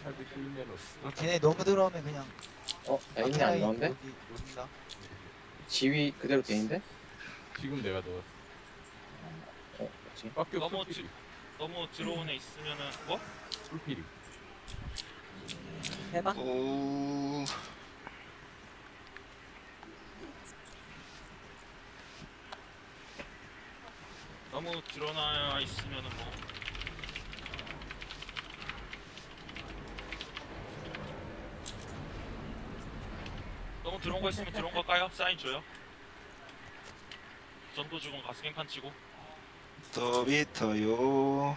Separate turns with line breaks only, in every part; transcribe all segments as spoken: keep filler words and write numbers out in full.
카드 킬메로스.
어, 걔네 너무 들어오면 그냥
어? 야 있네 안 나온데?
여기 놓는다.
지위 그대로 돼있는데?
지금 내가 넣었어.
어? 뭐지?
빡교
너무
풀피리.
너무 들어온 애 있으면은 뭐?
풀피리.
해봐.
오.
너무 드러나 있으면은 뭐 너무 들어온 거 있으면 들어온 거 까요? 사인 줘요. 전도 주고 가스갱판 치고
더 비터요.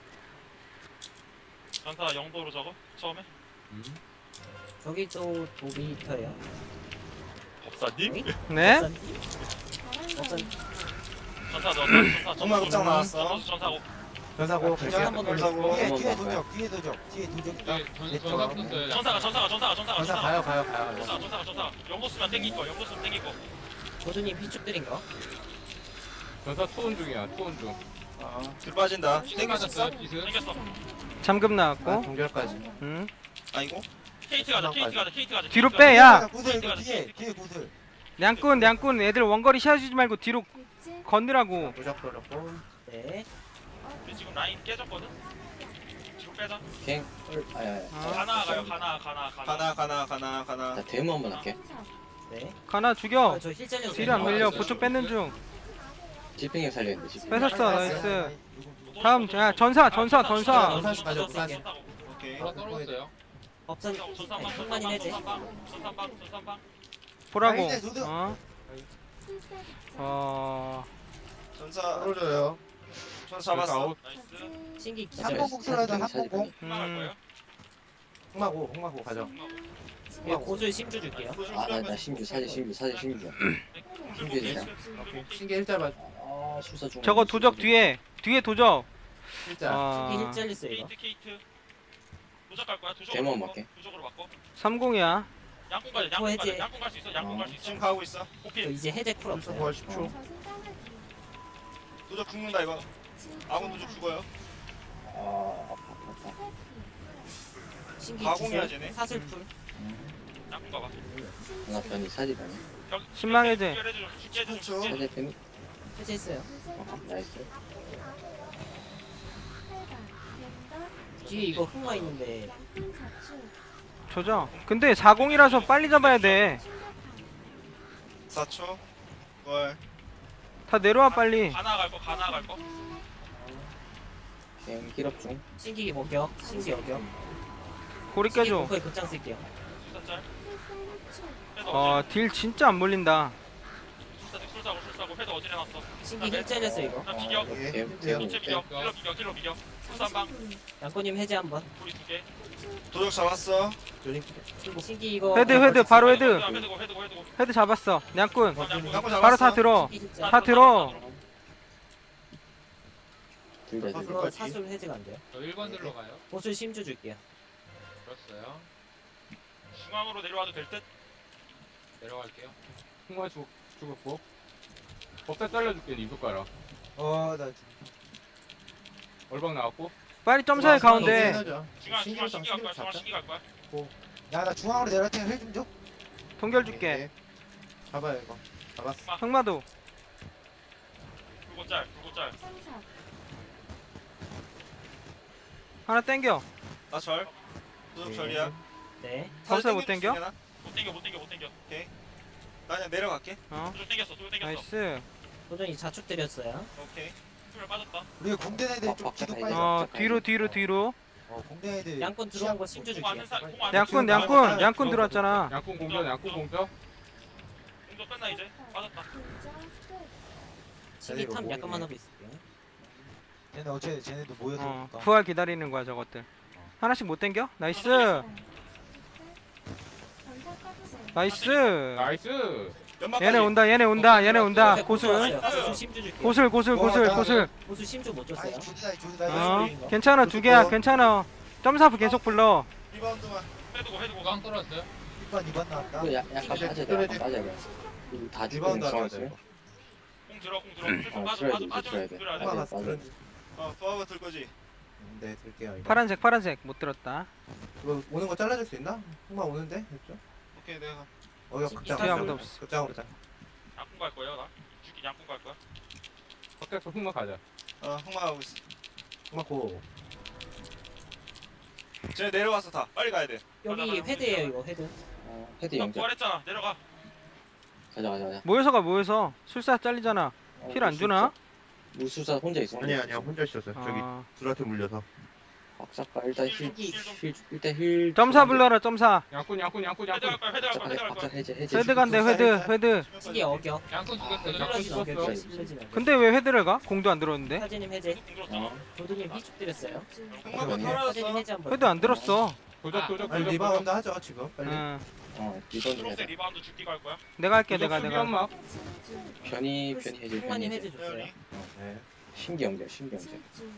전사 영도로 적어 처음에
음.
여기 또 도비터예요.
법사님?
네?
어떤
전사 넣었다. 전사
정말 급장 나왔어.
전사 전사고
전사고
그냥 한번
전사고.
뒤에
한번
뒤에
가요.
도적 뒤에 도적 뒤에 도적 있다.
네, 전-
내
전사
쪽.
붙었어요.
전사가 전사가 전사가 전사가
전사
전사가
가요 가요 가요.
전사가 전사가 전사가 영도 쓰면 땡길 거 영도 쓰면 땡길 거
고준님 피축들인 거.
전사 투혼 중이야. 투혼 중.
아, 들 빠진다.
땡
땡겼어?
맞았어요, 기스.
땡겼어.
잠금
아,
나왔고.
동결까지.
음.
아니고?
케이트 가자 케이트 가자 케이트 가자
뒤로
케이트
빼,
가자.
야.
구슬 이거 뒤에 뒤에 구슬.
냥꾼, 냥꾼. 애들 원거리 씌워주지 말고 뒤로 건드라고.
도적 걸렸고.
네.
우리 지금 라인 깨졌거든? 뒤로 빼자
갱? 아야야
어.
가나 가요 가나 가나 가나
가나 가나 가나 가나.
나 데모 한번 할게.
네.
가나 죽여.
아, 저힐 잘렸어요.
뒤로 안 밀려. 보초 뺏는 중.
지핑이 살려있는데 지핑.
뺏었어. 나이스. 다음, 야, 전사, 전사, 전사.
전사 맞아, 전사.
오케이.
하나 떨어졌어요.
법선
전산방
한만인 해제.
전산방 전산방 전산방
보라고.
아닌데, 도둑.
어. 어.
전사
떨어져요.
전사 잡았어.
나이스
신기 기절.
한번 복수라도 한번 공.
흠나갈 거예요?
홍마고 홍마고 가져.
예, 고술 심주 줄게요.
아나 나 신규 사제 신규 사제 신규. 신규 되자.
신기 일자 맞.
아 수사 중.
저거 도적 뒤에. 뒤에 도적.
일자.
신기
어.
힐 잘렸어요 이거.
케이트 케이트 도적 갈 거야 도적으로
데모
바꿔.
맞게.
도적으로 바꿔
삼공이야.
양궁 가자 양궁 가자 양궁 갈 수 있어 양궁 갈 수 있어
지금 가고 있어.
저
오케이
이제 해제 쿨 없어요.
십 초.
도적 죽는다 이거. 아군 도적 죽어요.
아 아파 아파.
신기
가공이야,
기절.
쟤네.
사슬 풀.
양궁 가봐
나 변이 사제다네.
신망 해제.
쉽게 해줘
그렇죠.
쉽게 해줘
사제 데미.
해제했어요.
어, 나이스.
뒤에 이거 흑마 있는데
조져. 근데 사공이라서 빨리 잡아야 돼.
사 초. 월.
다 내려와 빨리.
가나 갈거 가나 갈거
갱 힐업 중.
신기 먹여. 신기 여겨.
고리 깨줘.
거의 극장 쓸게요.
술사짤
어, 딜 진짜 안 몰린다.
술사짤 술사고 술사고 회도 어디에 놨어
신기 힐 잘렸어 이거.
나 비겨
예.
갱 갱.
인체 비겨 킬러 비겨 킬러 비겨 술사방
양꼬님 해제 한번.
우리 두개
도적 잡았어.
신기 이거.
헤드, 헤드, 바로 헤드.
회드고 회드고 회드고
헤드 잡았어. 냥꾼.
양꾼
바로
잡았어.
다 들어.
신기 힐 잘-
다 들어.
둘다 둘.
이거 사술 해제가 안 돼요.
저 일 번 들러 가요.
고술 심주 줄게요.
들었어요.
중앙으로 내려와도 될듯
내려갈게요.
홍마 죽 죽었고. 법사 잘라줄게. 니 손가락.
어, 나
얼방 나왔고.
빨리 점사해 가운데.
중앙 중앙 신기 갈 거야 중앙 신기 갈 거야
야, 나 중앙으로 내려갈 테니 힐좀 줘.
동결 줄게.
잡아요 이거. 잡았어.
흑마도.
붉고 짤 붉고 짤
하나 땡겨.
나 절. 도적 절이야.
네.
법사 못 땡겨?
못 땡겨 못 땡겨 못 땡겨
나 그냥 내려갈게.
어.
도적 땡겼어 도적 땡겼어
나이스.
도전이 자축 때렸어요.
오케이.
풀 빠졌다
우리 공대 애들 좀 기도 빨리.
어, 뒤로, 뒤로, 뒤로.
어, 공대 애들.
양권 들어온 거 심주
공
줄게요.
아는 사공 아는
냥꾼, 냥꾼, 냥꾼 들어왔잖아.
양꾼 공격. 양꾼 공격.
공도 끝나 이제 빠졌다
신기 탐 약간만 하고 있을게요.
쟤네 어째 쟤네도 모여서
어,
오니까.
부활 기다리는 거야, 저것들. 하나씩 못 땡겨? 나이스. 나이스.
나이스.
연막까지.
얘네 온다, 얘네 온다, 얘네 온다.
네,
고술.
왔어요. 고술 심주 줄게요.
고술, 고술, 고술, 고술.
고술 심주 못 줬어요.
아이, 조디다, 조디다.
어, 괜찮아, 두 개야, 괜찮아. 점사부 계속 불러.
리바운드만.
회드고 회드고
꽝 떨어졌어요.
일 번, 이 번 나왔다.
그 야- 약간 빠져야 돼. 약간 빠져야 돼. 이거 다 죽으면
리바운드 하러
중앙
가야
있어요.
공 들어 공 들어
어,
빠져
들어야
빠져
돼,
빠져
들어야 돼.
들어야 돼
맞아,
맞아.
맞아.
어, 파워 들 거지.
네, 들게요. 이거.
파란색 파란색 못 들었다.
이거 오는 거 잘라줄 수 있나? 흑마 오는데? 됐죠?
오케이 내가
어, 이거 극장.
뒤에 아무도 없어.
극장으로 자.
양꾼 갈 거예요 나. 죽기 양꾼 갈 거야.
겉에서 흑마 가자.
어 흑마하고 있어.
흑마 고.
쟤네 내려왔어 다. 빨리 가야 돼.
여기 헤드예요 이거 헤드.
어, 헤드
너
영절.
부활했잖아. 내려가.
가자 가자 가자.
모여서 가 모여서. 술사 잘리잖아.
어,
힐 안 주나?
무술사 혼자 있어.
아니야, 아니야. 혼자 있었어요. 저기
아,
둘한테 물려서.
박사가 일단 힐,
힐 좀,
힐, 일단 힐.
점사 불러라 점사.
양꾼 양꾼 양꾼
헤드
양꾼.
갈 거야. 헤드 갈 거야.
박사
헤드 갈
박사
거야.
해제 해제.
헤드 간대 헤드 헤드.
신기 어겨.
양꾼 죽였어요.
양꾼
슬러진 어겨.
죽었어.
슬러진 어겨.
근데 왜 헤드를 가? 공도 안 들었는데.
사진님 해제.
어.
도둑님 휘축 드렸어요.
흑마가
사진님
털어졌어.
해제 한번.
헤드 안 들었어.
도적 도적
아니,
도적.
리바운드 하죠, 지금. 빨리.
응.
어 리턴 해야
초록색
돼.
리바운드 죽기 갈 거야.
내가 할게
도적
내가
수비
내가.
연막.
변이 변이 해제 변이
흑마님
해제.
해제 줬어요.
네.
신기 영절 신기 영절.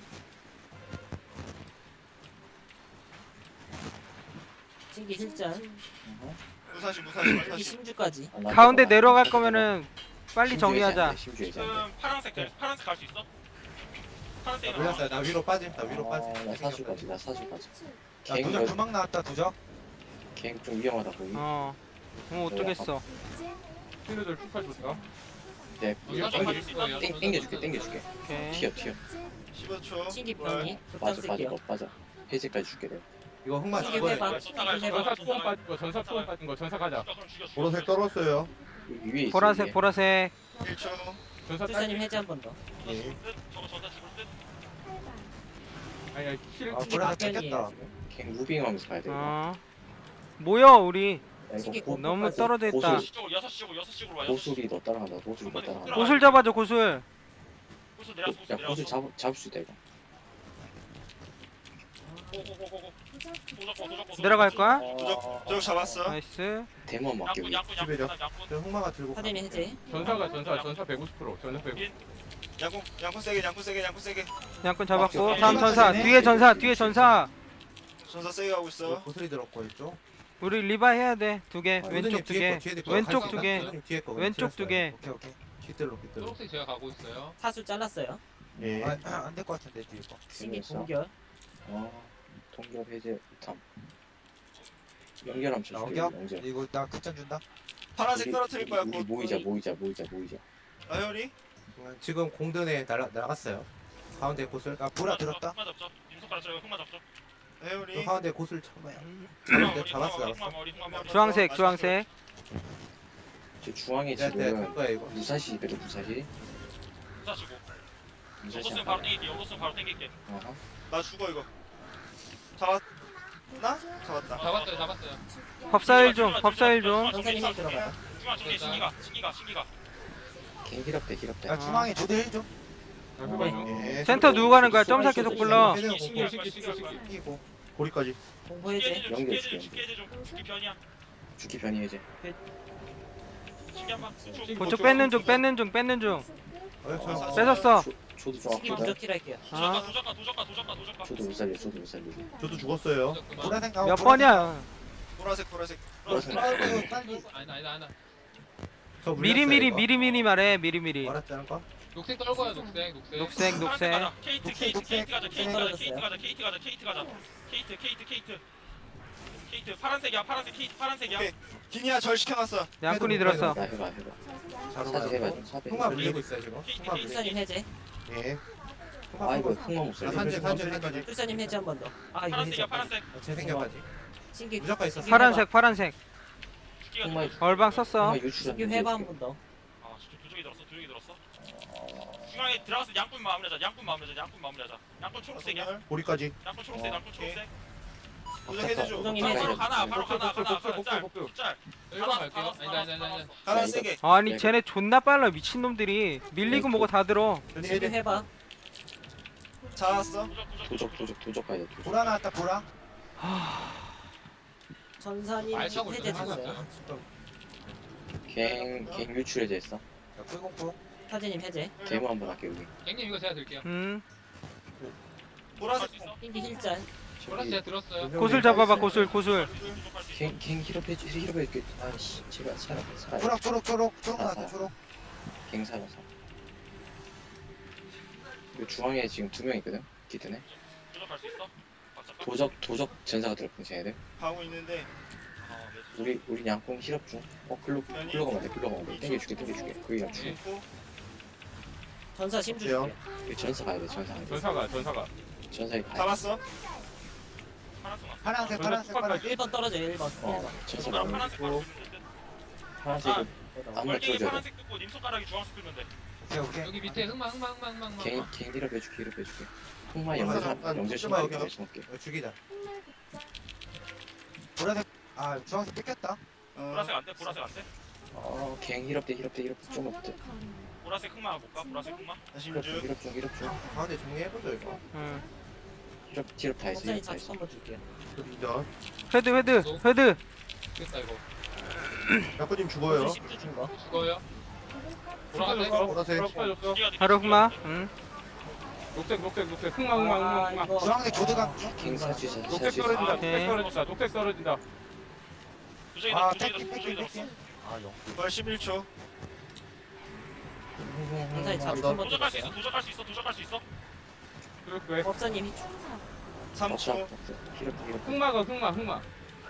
신기 힐잔.
어허.
무사시 무사시
신기
무사시.
심주까지.
아, 나
가운데
저거
내려갈
나
거면은 빨리
심주
정리하자.
해제 안 돼, 심주 해제 안 돼.
지금 파란색 갈- 파란색 갈 수 있어?
나
파란색
물렸어요. 나 위로 빠짐. 나 위로 빠짐.
어, 나 사주까지 나 사주까지.
야
갱
도적 두막 나왔다 도적.
갱좀 위험하다 거기.
어. 어 어쩌겠어.
신우들 축하 줬다.
네.
사주 가질 수 있나?
땡 땡겨줄게 땡겨줄게.
오케이.
튀어 튀어.
십오 초.
신기 변이.
빠져 빠져
급장
너
쓸게요.
빠져. 해제까지 줄게 내가.
이거 흑마
신기
죽어야
회방.
돼.
신기
전사
회방.
전사 투원 빠진 거 전사 투원 빠진 거 전사 가자.
죽여, 그럼 죽여, 죽여.
보라색 떨었어요.
여기 위에 있어.
보라색
위에.
보라색.
일 초.
전사 딸.
술사님 해제 한 번 더.
전사 죽을 듯? 저거 전사 죽을 듯?
아니야 힐.
아
신기
보라색
막변이에요.
찍혔다.
갱 무빙하면서 가야 돼. 이거.
어. 모여 우리.
야,
신기
이거 고,
너무
고까지.
떨어져 있다.
고술.
여섯 시 쪽으로 여섯 시 쪽으로 여섯 시 쪽으로 와. 여섯 시.
고술이 너 따라간다. 고술이 너 따라간다.
고술 잡아줘 고술.
고수 내려왔어. 고수
야 고술
내려왔어.
잡 잡을 수 있다 이거.
고고고고고. 도적고 도적고.
내려갈 거야?
도적 도적 잡았어.
나이스.
대만 맞게
양꾼
우리.
양꾼 양꾼
십일이요.
양꾼.
저 흑마가 들고 가.
사진님 해제.
전사가 전사 전사 백오십 퍼센트. 전사 백오십.
양꾼 양꾼 세게 양꾼 세게 양꾼 세게.
양꾼 잡았고
오케이.
다음 전사 뒤에 전사 뒤에 전사.
전사 세게 가고 있어.
고슬이 들었고 있죠.
우리 리바 해야 돼. 두 개.
아,
왼쪽
우드님
두
뒤에
개.
거, 뒤에 거
왼쪽
갈수
두
있나?
개.
우드님 뒤에 거
왼쪽 두 개.
오케이 오케이.
깃들로 깃들로.
초록색 제가 가고 있어요.
사수 잘랐어요.
예.
아안될 것 같은데 뒤에 거.
신기
재밌어.
동결.
어. 동결 해제 탐. 연결함 쳐줄게.
어겨?
연결.
이거 나 극장 준다.
파란색
우리-
떨어뜨릴 거야.
우리
곧.
모이자 모이자 모이자 모이자.
아 혈이?
지금 공든에 날아 나갔어요. 가운데 고슬.
아 보라 들었다.
흑마 잡죠. 임석가락 저 흑마 잡죠.
저
혈이.
가운데 고슬 참아요.
흑마
잡았어,
머리,
잡았어,
흑마 머리,
잡았어.
흑마 머리, 흑마 머리.
주황색 주황색.
저 중앙에
네, 네,
지금
갈 거야 이거.
무사시 그래 무사시.
부사시고.
무사시
요거스는
안
바로
가네.
땡길게. 요거스는 바로 땡길게.
어허.
나 죽어 이거. 잡았나? 잡았다.
잡았어요 잡았어요.
법사일 중 법사일 중.
전사님 해제 들어가요.
중앙 중에 신기가 신기가 신기가.
갱 힐업돼 힐업돼.
야 중앙에 조대 힐 좀.
야, 흑마 중.
예.
센터 누구 가는 거야? 점사 계속 불러.
네,
신기 신기 할 거야. 신기 할 거야.
이기고 고리까지.
공포
죽기
해제.
해제 좀 죽기 해제 좀 죽기 해제 좀 죽기 변이야.
죽기 변이 해제.
신기 한 방. 쭉.
그쪽 뺏는 중 뺏는 중 뺏는 중.
어, 저
뺏었어.
조- 조도
신기
정확하다.
무적킬 할게요.
도적가
아.
도적가 도적가 도적가 도적가.
조도 못 살려 조도 못 살리고.
저도 죽었어요.
그만.
보라색 나와.
몇 번이야?
보라색 보라색.
보라색.
아이고 빨리.
아니다 아니다 아니다.
저 물렸어요,
미리미리
이거.
미리미리 말해 미리미리.
말았다는 거?
녹색 떨고요 녹색 녹색.
녹색 녹색.
가자. 케이트
녹색,
케이트
녹색.
케이트 가자. 케이트 가자.
떨어졌어요.
케이트 가자. 케이트 가자. 케이트 가자. 케이트 케이트 케이트. 케이트 파란색이야. 파란색 케이트 파란색이야.
오케이. 기니야 절 시켜놨어.
양꾼이 들었어.
나 해봐 해봐.
자로
사지 해봐
가요.
좀 사배.
흑마 물리고 있어요 지금.
케이트
흑마
케이트.
물리고.
술사님 해제.
예.
아 이거 흑마 못
나
살려.
산재 산재 산재.
술사님 해제 한 번 더. 아 이거
파란색이야.
해제.
파란색.
재생겨까지.
신기
무조건 있었어.
신기
파란색 파란색.
죽기가
흑마
좀.
얼방 썼어.
흑마 유출한.
신기 회바 한 번 더.
아, 진짜 두 쪽이 들었어. 두 쪽이 들었어. 중앙에 들어가서 양꾼 마무리하자. 양꾼 마무리하자. 양꾼 마무리하자. 양꾼 초록색이야.
고리까지.
양꾼 초록색. 양꾼 초록색.
도적 해제 줘.
우정이
바로
해제.
바로 가나. 바로 가나.
복수,
가나.
복수, 복수,
짤.
복수.
짤.
일번 갈게요. 아니다 아니다 아니다.
하나
야,
세게.
아니 쟤네 존나 빨라 미친놈들이. 밀리고 뭐고 다 들어.
전이
신기
해제.
회바.
잡았어.
도적 도적
도적 도적 도적 가야 돼. 도적.
보라 나왔다 보라.
전사님
알차고
해제
있어요.
줬어요.
갱갱 유출 해제했어.
야, 풀공포.
사진님 해제.
데모 한번 할게 우리.
갱님 이거 제가 들게요.
음.
보라색.
신기 힐잔.
보라색 제가 들었어요.
고술 잡아봐 고술 고술.
갱갱 힐업 해줘 힐업 해줄게. 아씨 제발 살아 살아.
초록 초록 초록 초록 나왔다 초록.
갱 살아서. 이 중앙에 지금 두 명 있거든. 기드네.
도적할 수 있어? 박자까?
도적 도적 전사가 들어pun지 해야 돼.
가고 있는데
어, 네.
우리 우리 양궁 힐업 중. 어 글로 글로 가면 돼. 글로 가면 돼. 땡겨줄게 땡겨줄게. 그게 양궁.
죽고
전사 심주
돼요?
줄게.
전사 가야 돼. 전사 가야 돼.
전사가 전사가.
전사에 가야 돼.
잡았어.
파란색 왔어.
파란색 파란색 파란색
일 번 떨어져 일 번.
어
일 번.
전사
손가락
나오면
파란색 바로
있고
끄면 돼.
파란색은 아무나
월갱이
줘줘야 돼.
파란색 끄고 님 손가락이 주황색 끄면 돼.
오케이 오케이
여기 밑에 흑마 흑마 흑마 흑마 흑마.
개인 개인 힐업 해줄게 힐업 해줄게. 흑마
어,
영재
잠깐,
영재
잠깐만,
신발게
여기.
영재 신발게.
어, 죽이자.
보라색 아 주황색 뺏겼다
어,
보라색 안 돼? 보라색 안 돼?
어 개인 힐업 돼 힐업 돼 힐업 좀 없대.
보라색 흑마 볼까? 보라색 흑마?
다시
힐업 중
민주.
힐업 중 힐업 중.
가운데 정리해보죠 이거.
응.
힐업 힐업 다 했어
법사님
힐업 다
자축
했어.
한번 줄게요.
그리죠.
헤드 헤드 헤드.
죽겠다 이거.
야구님 죽어요.
고수 심주 준 거.
죽어요. 보라색.
줬어.
보라색.
줬어.
뒤가 뒤가
바로 흑마.
뒤가
응.
녹색 녹색 녹색. 흑마 흑마 흑마
아
흑마.
이거
주황색 조드강 중
킹 살수 있어
녹색
살수 있어.
떨어진다.
아,
녹색
오케이.
떨어진다. 녹색 떨어진다.
도적이
아
들었어. 도적이
뺏긴
들었어.
뺏긴
도적이
뺏긴
들었어.
벌 십일 초.
전사님 자축
아,
한번
도적할 수 있어.
줄게요.
도적할 수 있어. 도적할 수 있어.
그렇게.
법사님 히
삼
없어
초.
없어. 힐업 힐업.
흑마가 흑마 흑마.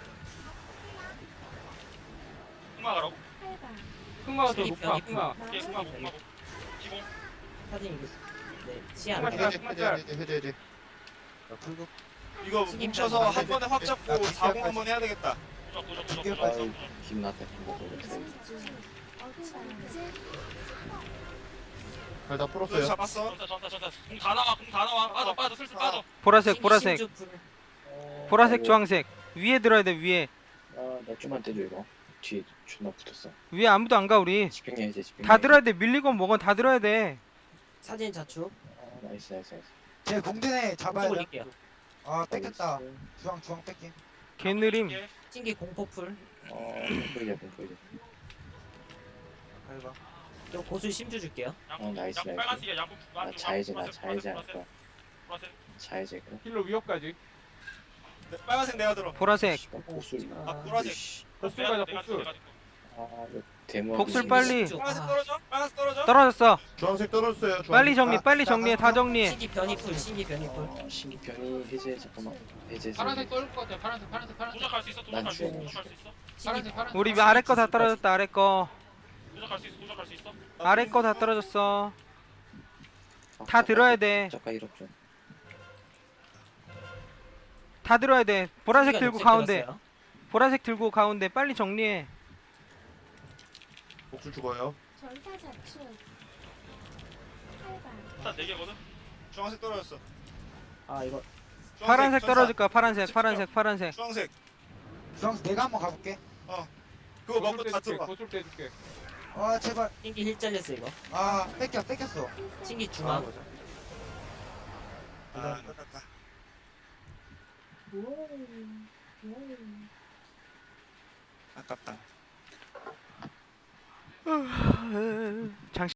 흑마 가라고?
흑마가 더
슬립
높아.
변이
흑마.
예, 흑마 고 흑마 고. 기공.
사진 이거. 네 시안.
흑마
해제
짤,
해제
짤.
해제 해제 해제.
불고
이거
신입
뭉쳐서
짤.
한 번에 확 잡고
아,
사공 한번 해야 되겠다.
도적 도적 도적
이게
도적.
아유
도적.
힘났다 힘났다.
잘다
너
풀었어요.
잡았어.
전사 전사 전사. 공 다 나와. 공 다 나와. 빠져 빠져 슬슬 빠져.
보라색 보라색
심주 풀.
보라색
아이고.
주황색. 위에 들어야 돼 위에.
아나 좀만 떼줘 이거. 뒤에 존나 붙었어.
위에 아무도 안 가 우리.
집행해 해제 집행해.
다 들어야 돼. 밀리건 뭐건 다 들어야 돼.
사진 자축.
아, 나이스 나이스 나이스.
제 공대네 잡아야
공수
돼
올릴게요.
아 뺏겼다
나이스.
주황 주황 뺏긴
개느림.
예.
찐기 공포 풀.
어 공포이자 공포이자.
아이고
저 고수 심주 줄게요.
양꾼
어, 나이스,
양꾼
나이스.
빨간색이야. 양꾼
나
양꾼
자해제 나
보라색,
자해제 할
보라색,
거야.
보라색.
자해제 그래.
힐로 위협까지.
네, 빨간색 내가 들어.
보라색.
씨발 복술.
아 보라색.
씨.
복술
내가
가자
내가
복술.
내가
아 이거 대문.
복술 빨리.
심주.
빨간색
아,
떨어져. 빨간색 떨어져.
떨어졌어.
주황색 떨어졌어요. 주황색.
빨리 정리
아,
빨리
나
정리해 다
가서-
정리해.
신기 변이 풀. 신기 변이 풀.
어, 신기 변이 해제 잠깐만 해제.
파란색 떨릴 것 같아. 파란색 파란색 파란색.
도적할 수 있어.
난
도적할 수 있어.
주워.
도적할 수 있어.
신기
파란색 파란색.
우리 아래 거 다 떨어졌다 아래 거.
도적할 수 있어. 도적할 수 있어.
아래 거 다 떨어졌어. 다 들어야 돼.
저가 일억 좀.
다 들어야 돼. 보라색
신기가
들고
녹색
가운데.
들었어요.
보라색 들고 가운데 빨리 정리해.
복수 죽어요.
일단 네 개거든.
주황색 떨어졌어.
아 이거
주황색,
파란색
전사.
떨어질 거야. 파란색 파란색 파란색.
주황색.
주황색 내가 한번 가볼게
그거 먹고
고술
다
떼줄게.
들어와.
고술 떼줄게.
아 제발
신기 힐 잘렸어 이거.
아 뺏겨 뺏겼어
신기
아
중앙.
맞아
아 끝났다. 아깝다.
장